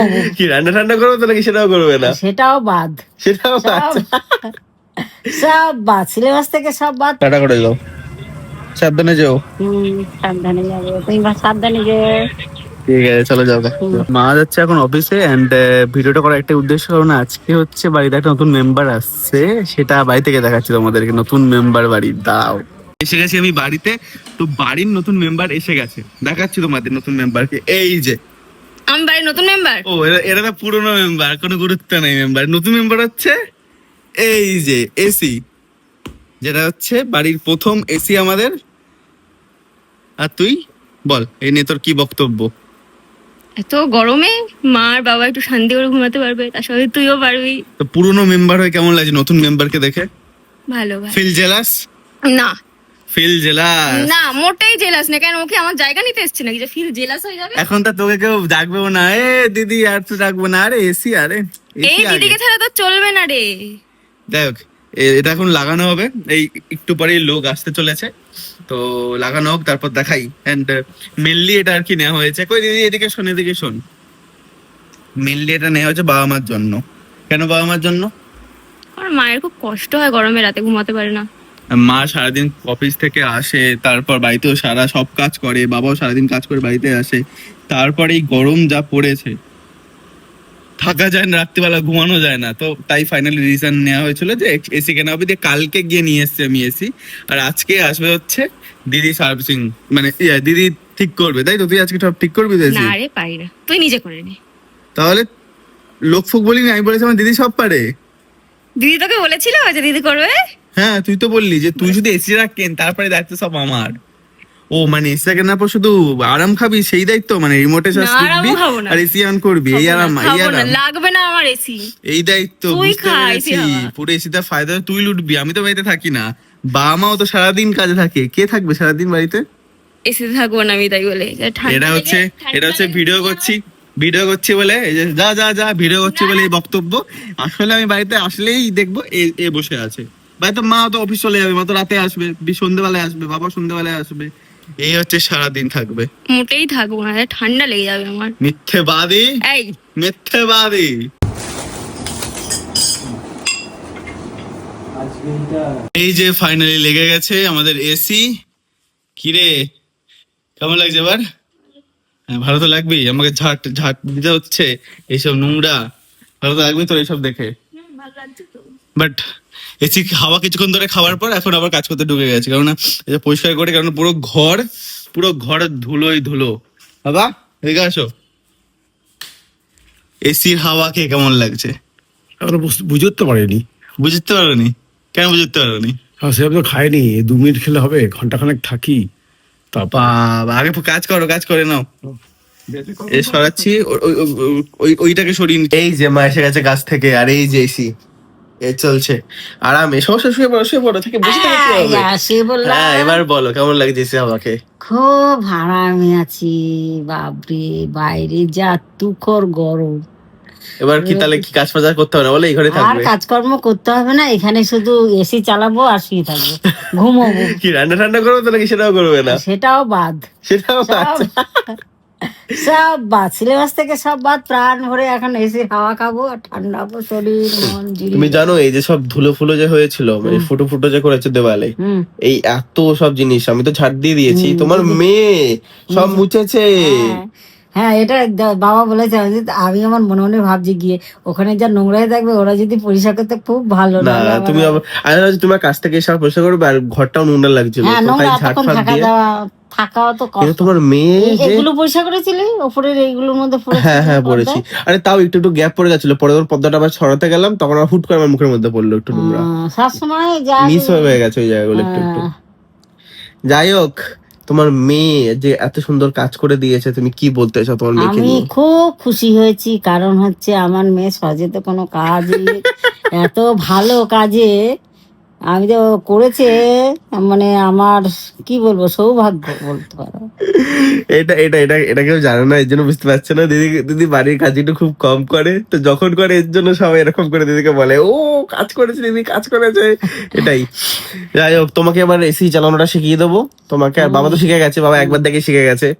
কি রান্না ঠান্না করবে তো নাকি সেটাও করবে না? সেটাও বাদ, সেটাও সব সব বাদ, সিলেবাস থেকে সব বাদ। টাটা করে যাও, সাবধানে যাও। সাবধানে যাবে, তুমি সাবধানে যে। ঠিক আছে চলো যাও। মা যাচ্ছে এখন অফিসে এন্ড ভিডিওটা করার একটা উদ্দেশ্য, কারণ আজকে হচ্ছে বাড়িতে একটা নতুন মেম্বার আসছে, সেটা বাড়ি থেকে দেখাচ্ছি তোমাদেরকে। নতুন মেম্বার বাড়ি দাও, এসে গেছি আমি বাড়িতে। তো বাড়ির নতুন মেম্বার এসে গেছে, দেখাচ্ছি তোমাদের নতুন মেম্বারকে। এই যে আমি বাড়ির নতুন মেম্বার। ও এরা তো পুরনো মেম্বার, কোনো গুরুত্ব নেই মেম্বার। নতুন মেম্বার হচ্ছে এই যে এসি, যেটা হচ্ছে বাড়ির প্রথম এসি আমাদের। আর তুই বল এই নিয়ে তোর কি বক্তব্য? এত গরমে মা আর বাবা একটু শান্তি করে ঘুমাতে পারবে, তার সাথে তুইও পারবি। তো পুরনো মেম্বার হয়ে কেমন লাগছে নতুন মেম্বারকে দেখে? ভালো ভাই। Feel jealous? না ফিল জেলাস না, মোটেই জেলাস না। কেন, ওকে আমার জায়গা নিতে এসছে নাকি যে ফিল জেলাস হয়ে যাবে? এখন তো তোকে কেউ ডাকবেও না, এ দিদি আর তো ডাকবো না। আরে এসি, আরে এই এসি আগে। দিদিকে ছাড়া তো চলবে না রে। দেখ এটা এখন লাগানো হবে, এই একটু পরেই লোক আসতে চলেছে, তো লাগানো হোক তারপর দেখাই। এন্ড মেনলি এটা আর কি নেওয়া হয়েছে, কই দিদি এদিকে শোন, এদিকে শোন। মেনলি এটা নেওয়া হয়েছে বাবা মার জন্য। কেন বাবা মার জন্য? আমার মায়ের খুব কষ্ট হয় গরমে, রাতে ঘুমাতে পারে না। মা সারাদিন অফিস থেকে আসে, তারপর বাড়িতেও সব কাজ করে, বাবাও সারাদিন কাজ করে বাড়িতে আসে, তারপরে এই গরম যা পড়েছে থাকা যায় না, রাত্রিবেলা ঘুমানো যায় না। তো তাই ফাইনালি রিজন নেওয়া হয়েছিল যে এসি কেনা হবে। দিয়ে কালকে গিয়ে নিয়ে এসছি আমি এসি, আর আজকে আসবে হচ্ছে দিদি সার্ভিসিং, মানে দিদি ঠিক করবে। তাই তো তুই আজকে সব ঠিক করবি তো এসি? না রে, পারি না, তুই নিজে করে নে। তাহলে লোক ফোক বলিনি, আমি বলেছি আমার দিদি সব পারে। দিদি তোকে বলেছিল যে দিদি করবে? হ্যাঁ তুই তো বললি যে তুই শুধু এসিটা কেন, তারপরে দায়িত্ব সব আমার। ও মানে এসিটা কেনার পর শুধু আরাম খাবি সেই দায়িত্ব, মানে রিমোটে না, আরামও খাবো না। আর এসি অন করবি, এই আরাম এই খাবো না, আরাম লাগবে না আমার এসি। এই দায়িত্ব। তুই বুঝতে খা পেরেছি, এসি হাওয়া। পুরো এসিটা ফায়দা তুই লুটবি, আমি তো বাড়িতে থাকি না। বাবা মাও তো সারাদিন কাজে থাকে, কে থাকবে সারাদিন বাড়িতে? এসিতে থাকবো না আমি, তাই বলে। এটা হচ্ছে ভিডিও করছি বলে, এই যে যা যা যা ভিডিও করছি বলে এই বক্তব্য। আসলে আমি বাড়িতে আসলেই দেখবো এ বসে আছে। বাড়িতে মা তো অফিস চলে যাবে, মা তো রাতে আসবে, সন্ধ্যেবেলায় আসবে, বাবা সন্ধ্যেবেলায় আসবে, এই হচ্ছে সারাদিন থাকবে। মোটেই থাকবো না, ঠান্ডা লেগে যাবে আমার। মিথ্যেবাদী, এই মিথ্যেবাদী। এই যে ফাইনালি লেগে গেছে আমাদের এসি। কিরে কেমন লাগছে এবার? হ্যাঁ ভালো তো লাগবেই, আমাকে ঝাট ঝাট দিতে হচ্ছে এইসব নোংরা, ভালো তো লাগবে তোর এইসব দেখে। বাট এসি হাওয়া কিছুক্ষণ ধরে খাওয়ার পর এখন আবার কাজ করতে ঢুকে গেছে, কারণ এটা পরিষ্কার করে, কারণ পুরো ঘর ধুলোই ধুলো। বাবা এদিকে আসো, এসির হাওয়া খেয়ে কেমন লাগছে? বুঝতে পারিনি। বুঝতে পারোনি? কেন বুঝতে পারোনি? সেভাবে তো খাইনি, 2 মিনিট খেলে হবে, ঘন্টাখানেক থাকি তারপর। বাবা আগে কাজ করে নাও। এ সরাচ্ছি, ওইটাকে সরিয়ে এই যে মা এসে গেছে কাছ থেকে, আর এই যে এসি এ চলছে আরামে। সমস্যা শুয়ে পড়ো থেকে বুঝতে হ্যাঁ এবার বলো কেমন লাগছে এসি আমাকে? খুব আরামে আছি বাপরে, বাইরে যা তুখর গরম। এবার কি তাহলে কি কাজ ফাজ করতে হবে না বলে এই ঘরে আর থাকবে? কাজকর্ম করতে হবে না, এখানে শুধু এসি চালাবো আর শুয়ে থাকবো, ঘুমোবো। কি রান্না ঠান্না করবে তো নাকি সেটাও করবে না? সেটাও বাদ, সেটাও সব সব বাদ, সিলেবাস থেকে সব বাদ। প্রাণ ভরে এখন এসির হাওয়া খাবো আর ঠান্ডা হবো, শরীর মন জিরিয়ে। তুমি জানো এই যে সব ধুলো ফুলো যে হয়েছিল, মানে ফুটো যে করেছে দেওয়ালে, এই এত সব জিনিস আমি তো ঝাড় দিয়ে দিয়েছি, তোমার মেয়ে সব মুছেছে। হ্যাঁ এটা বাবা বলেছে, আমি আমার মনে মনে ভাবছি গিয়ে ওখানে যা নোংরাই থাকবে, ওরা যদি পরিষ্কার করতে খুব ভালো। না তুমি তোমার কাছ থেকে এসে পরিষ্কার করবে, আর ঘরটাও নোংরা লাগছিল, থাকাও তো কষ্ট। তোমার মেয়ে এগুলো পরিষ্কার করেছিলে ওপরের এইগুলোর মধ্যে? হ্যাঁ পড়েছি। আরে তাও একটু গ্যাপ পড়ে গেছিল, পরে যখন পর্দাটা আবার ছড়াতে গেলাম তখন আমার হুট করে আমার মুখের মধ্যে পড়লো একটু নোংরা। সবসময় মিস হয়ে গেছে ওই জায়গাগুলো একটু। যাই হোক, তোমার মেয়ে যে এত সুন্দর কাজ করে দিয়েছে, তুমি কি বলতে চাও তোমার মেয়েকে আমি নিয়ে? খুব খুশি হয়েছি, কারণ হচ্ছে আমার মেয়ে সহজে তো কোনো কাজ এত ভালো কাজে আমি তো করেছে, মানে আমার কি বলবো, সৌভাগ্য বলতে পারো। এটা কেউ জানে না, এর জন্য বুঝতে পারছে না। দিদি বাড়ির কাজ একটু খুব কম করে, তো যখন করে এর জন্য সবাই এরকম করে দিদিকে বলে, ও কাজ করেছে দিদি, কাজ করেছে। এটাই। যাই হোক, তোমাকে এবার এসি চালানোটা শিখিয়ে দেবো তোমাকে। আর বাবা তো শিখে গেছে, বাবা একবার দেখে শিখে গেছে।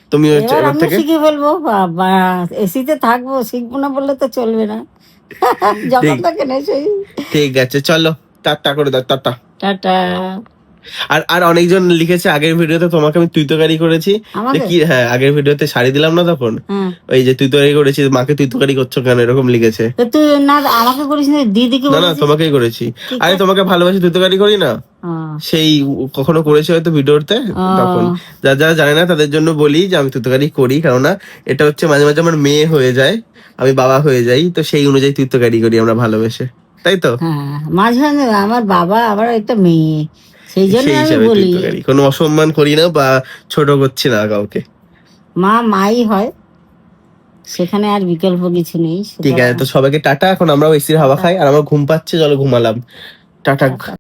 তুমি হচ্ছে এবার এবার আমি থেকে শিখে ফেলবো, বাবা এসিতে থাকবো, শিখবো না বললে তো চলবে না। যখন ঠিক। থাকে না সেই। ঠিক আছে, চলো টাটা করে দাও, টাটা। টাটা। আর আর অনেকজন লিখেছে আগের ভিডিওতে তোমাকে আমি তুই তরকারি করেছি, যে আমাকে? কি, হ্যাঁ আগের ভিডিওতে শাড়ি দিলাম না তখন, হ্যাঁ, ওই যে তুই তরকারি করেছিস, মাকে তুই তরকারি করছো কেন, এরকম লিখেছে। তো তুই না আমাকে করিস না, দিদিকে না না, বলেছিস। তোমাকেই করেছি। কি আরে করে? তোমাকে ভালোবাসি তুই তরকারি করি না, ও, সেই কখনো করেছে হয়তো ভিডিওতে, তখন যারা যারা জানে না তাদের জন্য বলি যে আমি তুতকারি করি, কেননা এটা হচ্ছে মাঝে মাঝে আমার মেয়ে হয়ে যায়, আমি বাবা হয়ে যাই, তো সেই অনুযায়ী তুতকারি করি আমরা ভালোবেসে, তাই তো? হ্যাঁ, মাঝে মাঝে আমার বাবা আবার একটা মেয়ে, সেই জন্য সেই আমি হিসাবে বলি তুতকারি, কোনো অসম্মান করি না বা ছোট করছি না কাউকে। মা মাই হয়, সেখানে আর বিকল্প কিছু নেই। ঠিক আছে, তো সবাইকে টাটা, এখন আমরাও এসির হাওয়া খাই, আর আমার ঘুম পাচ্ছে, চলো ঘুমালাম, টাটা।